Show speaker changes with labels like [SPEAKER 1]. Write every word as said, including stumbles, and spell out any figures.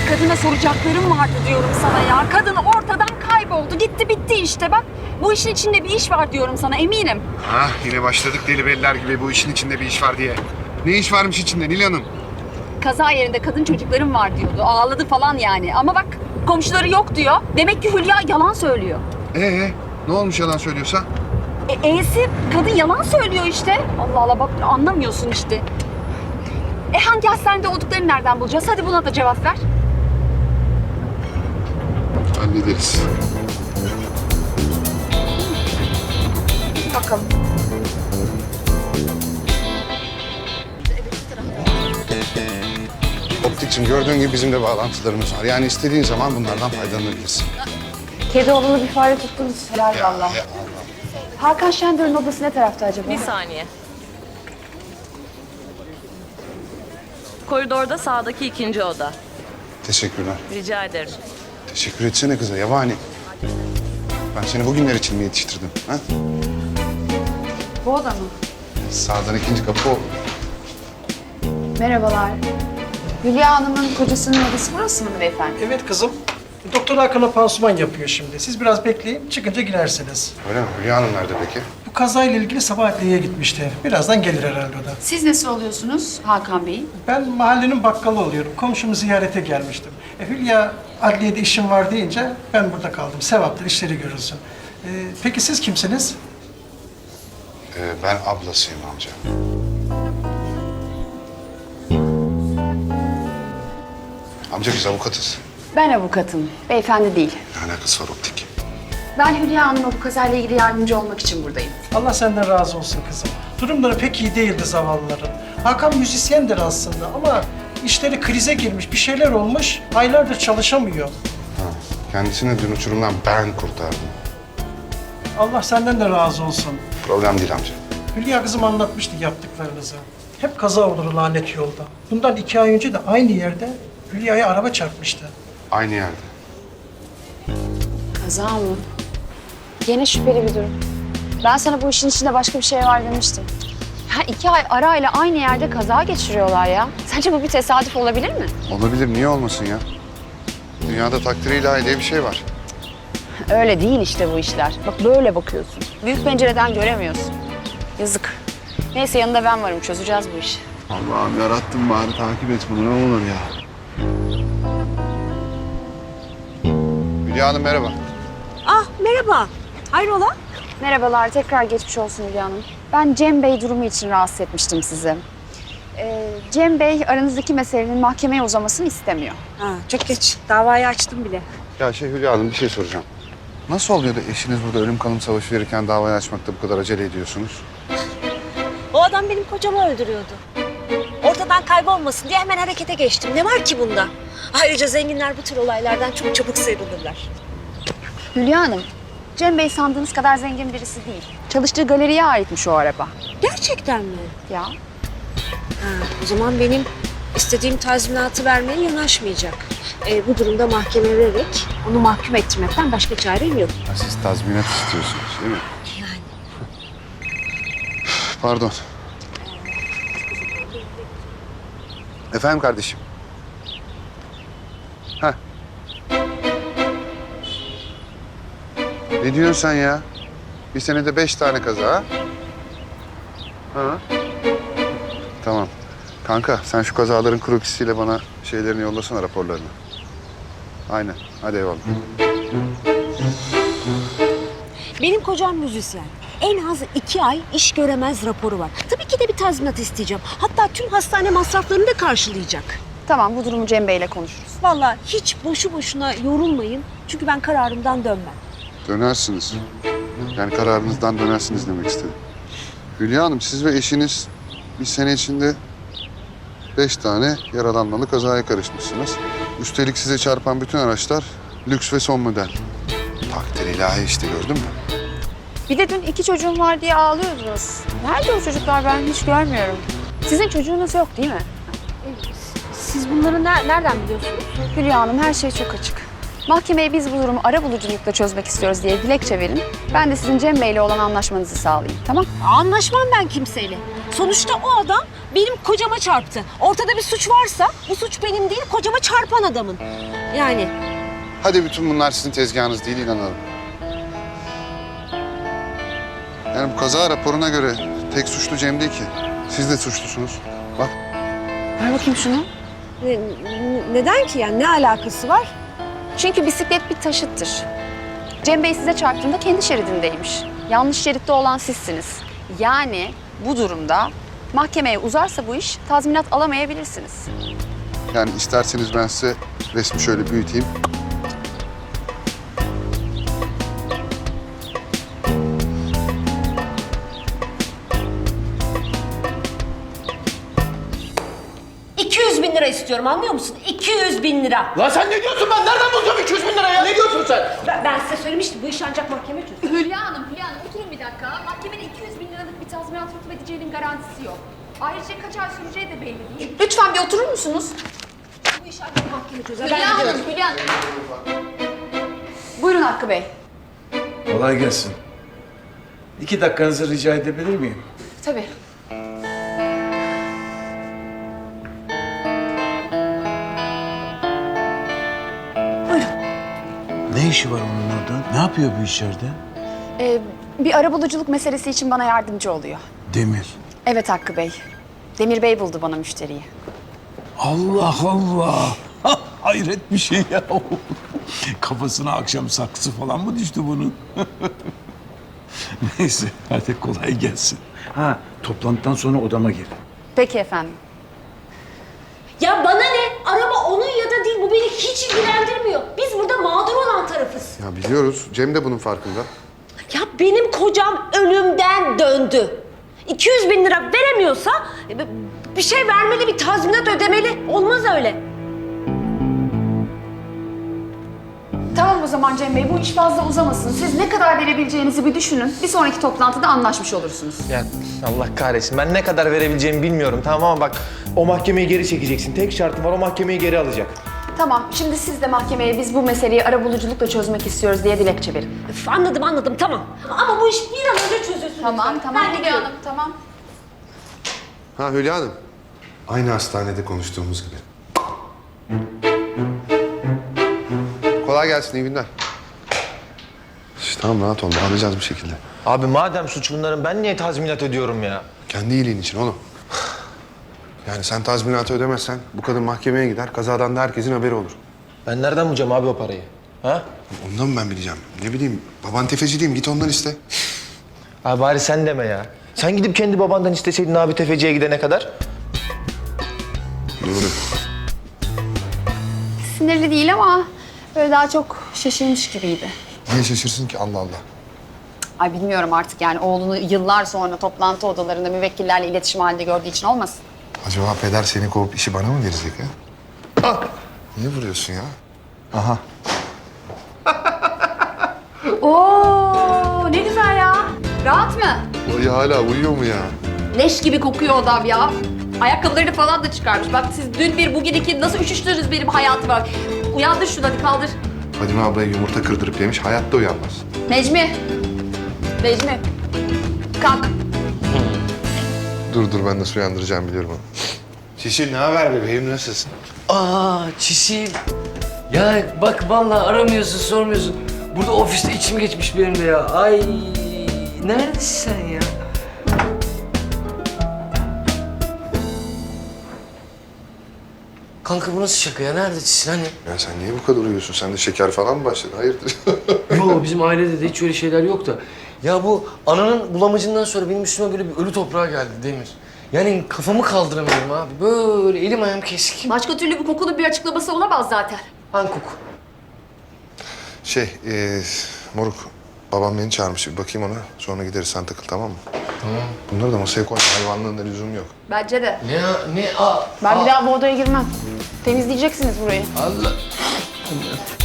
[SPEAKER 1] kadına soracaklarım vardı diyorum sana ya. Kadın ortadan kayboldu. Gitti bitti işte bak. Bu işin içinde bir iş var diyorum sana eminim.
[SPEAKER 2] Ha yine başladık deli beller gibi bu işin içinde bir iş var diye. Ne iş varmış içinde Nil Hanım?
[SPEAKER 1] Kaza yerinde kadın çocuklarım var diyordu. Ağladı falan yani. Ama bak komşuları yok diyor. Demek ki Hülya yalan söylüyor.
[SPEAKER 2] Ee ne olmuş yalan söylüyorsa?
[SPEAKER 1] E, E'si kadın yalan söylüyor işte. Allah Allah bak anlamıyorsun işte. E hangi hastanede olduklarını nereden bulacağız? Hadi buna da cevap ver.
[SPEAKER 2] Hallederiz.
[SPEAKER 1] Bakalım.
[SPEAKER 2] Optikçim gördüğün gibi bizim de bağlantılarımız var. Yani istediğin zaman bunlardan faydalanabilirsin.
[SPEAKER 3] Kedi oğlunu bir fare tuttunuz. Helal
[SPEAKER 2] Ya,
[SPEAKER 3] vallahi.
[SPEAKER 2] ya.
[SPEAKER 3] Hakan Şendör'ün odası ne tarafta acaba?
[SPEAKER 4] Bir saniye. Koridorda sağdaki ikinci oda.
[SPEAKER 2] Teşekkürler.
[SPEAKER 4] Rica ederim.
[SPEAKER 2] Teşekkür etsene kıza yabani. Ben seni bugünler için mi yetiştirdim? Ha?
[SPEAKER 3] Bu oda mı?
[SPEAKER 2] Sağdan ikinci kapı o.
[SPEAKER 3] Merhabalar. Hülya Hanım'ın kocasının odası burası mı beyefendi?
[SPEAKER 5] Evet kızım. Doktor Hakan'a pansuman yapıyor şimdi. Siz biraz bekleyin, çıkınca girersiniz.
[SPEAKER 2] Öyle mi? Hülya Hanım nerede peki?
[SPEAKER 5] Bu kazayla ilgili sabah adliyeye gitmişti. Birazdan gelir herhalde o da.
[SPEAKER 3] Siz nasıl oluyorsunuz Hakan Bey?
[SPEAKER 5] Ben mahallenin bakkalı oluyorum. Komşumu ziyarete gelmiştim. E, Hülya adliyede işim var deyince ben burada kaldım. Sevaptır, işleri görülsün. E, peki siz kimsiniz?
[SPEAKER 2] Ee, ben ablasıyım amca. Amca biz avukatız.
[SPEAKER 3] Ben avukatım. Beyefendi değil.
[SPEAKER 2] Ne alakası var optik?
[SPEAKER 3] Ben Hülya Hanım'a bu kazayla ilgili yardımcı olmak için buradayım.
[SPEAKER 5] Allah senden razı olsun kızım. Durumları pek iyi değildi zavallıların. Hakan müzisyendir aslında ama işleri krize girmiş, bir şeyler olmuş. Aylardır çalışamıyor.
[SPEAKER 2] Ha, kendisini dün uçurumdan ben kurtardım.
[SPEAKER 5] Allah senden de razı olsun.
[SPEAKER 2] Problem değil amca.
[SPEAKER 5] Hülya kızım anlatmıştı yaptıklarınızı. Hep kaza olur lanet yolda. Bundan iki ay önce de aynı yerde Hülya'ya araba çarpmıştı.
[SPEAKER 2] Aynı yerde.
[SPEAKER 3] Kaza mı? Yine şüpheli bir durum. Ben sana bu işin içinde başka bir şey var demiştim. Ya iki ay arayla aynı yerde kaza geçiriyorlar ya. Sence bu bir tesadüf olabilir mi?
[SPEAKER 2] Olabilir, niye olmasın ya? Dünyada takdir ilahi diye bir şey var.
[SPEAKER 3] Öyle değil işte bu işler. Bak böyle bakıyorsun. Büyük pencereden göremiyorsun. Yazık. Neyse yanında ben varım. Çözeceğiz bu işi.
[SPEAKER 2] Allah'ım yarattım bari takip et bunu ne olur ya. Hülya Hanım merhaba.
[SPEAKER 6] Ah merhaba. Hayrola?
[SPEAKER 3] Merhabalar. Tekrar geçmiş olsun Hülya Hanım. Ben Cem Bey durumu için rahatsız etmiştim sizi. Ee, Cem Bey aranızdaki meselenin mahkemeye uzamasını istemiyor.
[SPEAKER 6] Ha, çok geç. Davayı açtım bile.
[SPEAKER 2] Ya şey Hülya Hanım bir şey soracağım. Nasıl oluyor da eşiniz burada ölüm kalım savaşı verirken davayı açmakta bu kadar acele ediyorsunuz?
[SPEAKER 6] O adam benim kocamı öldürüyordu. Ortadan kaybolmasın diye hemen harekete geçtim. Ne var ki bunda? Ayrıca zenginler bu tür olaylardan çok çabuk sıyrılırlar.
[SPEAKER 3] Hülya Hanım, Cem Bey sandığınız kadar zengin birisi değil. Çalıştığı galeriye aitmiş o araba.
[SPEAKER 6] Gerçekten mi?
[SPEAKER 3] Ya
[SPEAKER 6] Ha, o zaman benim istediğim tazminatı vermeye yanaşmayacak. Ee, bu durumda mahkeme vererek onu mahkum ettirmekten başka çarem yok.
[SPEAKER 2] Ha, siz tazminat istiyorsunuz değil mi?
[SPEAKER 6] Yani.
[SPEAKER 2] Pardon. Efendim kardeşim. Heh. Ne diyorsun sen ya? Bir senede beş tane kaza ha? Ha? Tamam. Kanka sen şu kazaların krokisiyle bana şeylerini yollasana raporlarını. Aynen. Hadi eyvallah.
[SPEAKER 6] Benim kocam müzisyen. En az iki ay iş göremez raporu var. Tabii ki de bir tazminat isteyeceğim. Hatta tüm hastane masraflarını da karşılayacak.
[SPEAKER 3] tamam bu durumu Cem Bey'le konuşuruz.
[SPEAKER 6] Vallahi hiç boşu boşuna yorulmayın. Çünkü ben kararımdan dönmem.
[SPEAKER 2] Dönersiniz. Yani kararınızdan dönersiniz demek istedim. Hülya Hanım siz ve eşiniz bir sene içinde beş tane yaralanmalı kazaya karışmışsınız. Üstelik size çarpan bütün araçlar lüks ve son model. Takdir ilahi işte gördün mü?
[SPEAKER 3] Bir de dün iki çocuğum var diye ağlıyordunuz. Nerede o çocuklar ben hiç görmüyorum. Sizin çocuğunuz yok değil mi?
[SPEAKER 6] Siz bunları ne- nereden biliyorsunuz?
[SPEAKER 3] Hülya Hanım her şey çok açık. Mahkemeye biz bu durumu arabuluculukla çözmek istiyoruz diye dilekçe verin. Ben de sizin Cem Bey'le olan anlaşmanızı sağlayayım tamam?
[SPEAKER 6] Anlaşmam ben kimseyle. Sonuçta o adam benim kocama çarptı. Ortada bir suç varsa bu suç benim değil, kocama çarpan adamın. Yani
[SPEAKER 2] Hadi bütün bunlar sizin tezgahınız değil, inanalım. Yani bu kaza raporuna göre tek suçlu Cem değil ki. Siz de suçlusunuz. Bak.
[SPEAKER 3] Ver bakayım şunu.
[SPEAKER 6] ne- ne- neden ki yani ne alakası var?
[SPEAKER 3] Çünkü bisiklet bir taşıttır. Cem Bey size çarptığında kendi şeridindeymiş. Yanlış şeritte olan sizsiniz. Yani bu durumda mahkemeye uzarsa bu iş tazminat alamayabilirsiniz.
[SPEAKER 2] Yani isterseniz ben size resmi şöyle büyüteyim.
[SPEAKER 6] iki yüz bin lira istiyorum, anlıyor musun? iki yüz bin lira.
[SPEAKER 4] Lan sen ne diyorsun? Ben nereden bulacağım iki yüz bin lira ya? Ne diyorsun sen?
[SPEAKER 6] Ben, ben size söylemiştim, bu iş ancak mahkeme çözür.
[SPEAKER 1] Hülya Hanım, Hülya Hanım oturun bir dakika. Mahkemede iki yüz bin liralık bir tazminat hukuk edeceğinin garantisi yok. Ayrıca kaç ay süreceği de belli değil.
[SPEAKER 3] Lütfen bir oturur musunuz?
[SPEAKER 6] Bu iş ancak mahkeme çözer.
[SPEAKER 1] Hülya
[SPEAKER 6] Ben
[SPEAKER 1] Hanım,
[SPEAKER 6] gidiyorum.
[SPEAKER 1] Hülya Hanım.
[SPEAKER 3] Buyurun Hakkı Bey.
[SPEAKER 4] Kolay gelsin. İki dakikanızı rica edebilir miyim?
[SPEAKER 3] Tabii.
[SPEAKER 4] Ne işi var onun orada? Ne yapıyor bu içeride?
[SPEAKER 3] Ee, bir arabuluculuk meselesi için bana yardımcı oluyor.
[SPEAKER 4] Demir.
[SPEAKER 3] Evet Hakkı Bey. Demir Bey buldu bana müşteriyi.
[SPEAKER 4] Allah Allah. Hayret bir şey ya. Kafasına akşam saksı falan mı düştü bunun? Neyse hadi kolay gelsin. Ha toplantıdan sonra odama gel.
[SPEAKER 3] Peki efendim.
[SPEAKER 6] Ya bana ne? Araba onun ya da değil, bu beni hiç ilgilendirmiyor. Biz burada mağdur olan tarafız.
[SPEAKER 2] Ya biliyoruz. Cem de bunun farkında.
[SPEAKER 6] Ya benim kocam ölümden döndü. iki yüz bin lira veremiyorsa e, bir şey vermeli, bir tazminat ödemeli. Olmaz öyle.
[SPEAKER 3] Tamam o zaman Cem Bey, bu iş fazla uzamasın. Siz ne kadar verebileceğinizi bir düşünün. Bir sonraki toplantıda anlaşmış olursunuz.
[SPEAKER 7] Ya Allah kahretsin. Ben ne kadar verebileceğimi bilmiyorum, tamam ama bak o mahkemeyi geri çekeceksin. Tek şartım var, o mahkemeyi geri alacak.
[SPEAKER 3] Tamam, şimdi siz de mahkemeye biz bu meseleyi arabuluculukla çözmek istiyoruz diye dilekçe verin.
[SPEAKER 6] Üf, anladım anladım, tamam. Ama bu iş bir an önce çözülsün.
[SPEAKER 3] Tamam,
[SPEAKER 6] lütfen.
[SPEAKER 3] tamam
[SPEAKER 6] Ben
[SPEAKER 3] Hülya
[SPEAKER 6] gidiyorum.
[SPEAKER 3] Hanım, tamam.
[SPEAKER 2] Ha Hülya Hanım. Aynı hastanede konuştuğumuz gibi. Kolay gelsin, iyi günler. İşte tamam, rahat ol. Alacağız bir şekilde.
[SPEAKER 7] Abi madem suç bunların, ben niye tazminat ödüyorum ya?
[SPEAKER 2] Kendi iyiliğin için oğlum. Yani sen tazminatı ödemezsen bu kadın mahkemeye gider. Kazadan da herkesin haberi olur.
[SPEAKER 7] Ben nereden bulacağım abi o parayı? Ha?
[SPEAKER 2] Ondan mı ben bileceğim? Ne bileyim, baban tefeci diyeyim, git ondan iste.
[SPEAKER 7] Abi bari sen deme ya. Sen gidip kendi babandan isteseydin abi tefeciye gidene kadar.
[SPEAKER 2] Doğru.
[SPEAKER 3] Sinirli değil ama böyle daha çok şaşırmış gibiydi.
[SPEAKER 2] Niye şaşırsın ki, Allah Allah.
[SPEAKER 3] Ay bilmiyorum artık yani oğlunu yıllar sonra toplantı odalarında müvekkillerle iletişim halinde gördüğü için olmasın.
[SPEAKER 2] Acaba peder seni kovup işi bana mı verecek ha? Ah! Niye vuruyorsun ya? Aha.
[SPEAKER 3] Oo ne güzel ya. Rahat mı?
[SPEAKER 2] O ya hala uyuyor mu ya?
[SPEAKER 1] Leş gibi kokuyor odam ya. Ayakkabılarını falan da çıkarmış. Bak siz dün bir bugün iki nasıl üşüştünüz benim hayatıma. Uyandır şunu hadi kaldır.
[SPEAKER 2] Fadime ablaya yumurta kırdırıp yemiş, hayatta uyanmaz.
[SPEAKER 3] Necmi. Necmi. Kalk.
[SPEAKER 2] Dur dur, ben nasıl uyandıracağım biliyorum onu. Şişir, ne haber bebeğim, nasılsın?
[SPEAKER 8] Aa Çisil. Ya bak vallahi aramıyorsun, sormuyorsun. Burada ofiste içim geçmiş benim de ya. Ay neredesin sen ya? Kanka bu nasıl şaka ya? Nerede Çisil hani?
[SPEAKER 2] Ya sen niye bu kadar uyuyorsun? Sen de şeker falan mı başladı? Hayırdır?
[SPEAKER 8] Yo bizim ailede de hiç öyle şeyler yok da. Ya bu ananın bulamacından sonra benim üstüme böyle bir ölü toprağa geldi Demir. Yani kafamı kaldıramıyorum abi. Böyle elim ayağım kesik.
[SPEAKER 1] Başka türlü bu kokunun bir açıklaması olamaz zaten.
[SPEAKER 8] Hangi koku?
[SPEAKER 2] Şey, ee, moruk, babam beni çağırmış. Bir bakayım ona, sonra gideriz, sen takıl, tamam mı?
[SPEAKER 8] Tamam.
[SPEAKER 2] Bunları da masaya koy, hayvanlığında lüzum yok.
[SPEAKER 1] Bence de.
[SPEAKER 8] Ne ya? Ne? Aa,
[SPEAKER 3] Ben
[SPEAKER 8] aa.
[SPEAKER 3] bir daha bu odaya girmem. Temizleyeceksiniz burayı.
[SPEAKER 8] Allah.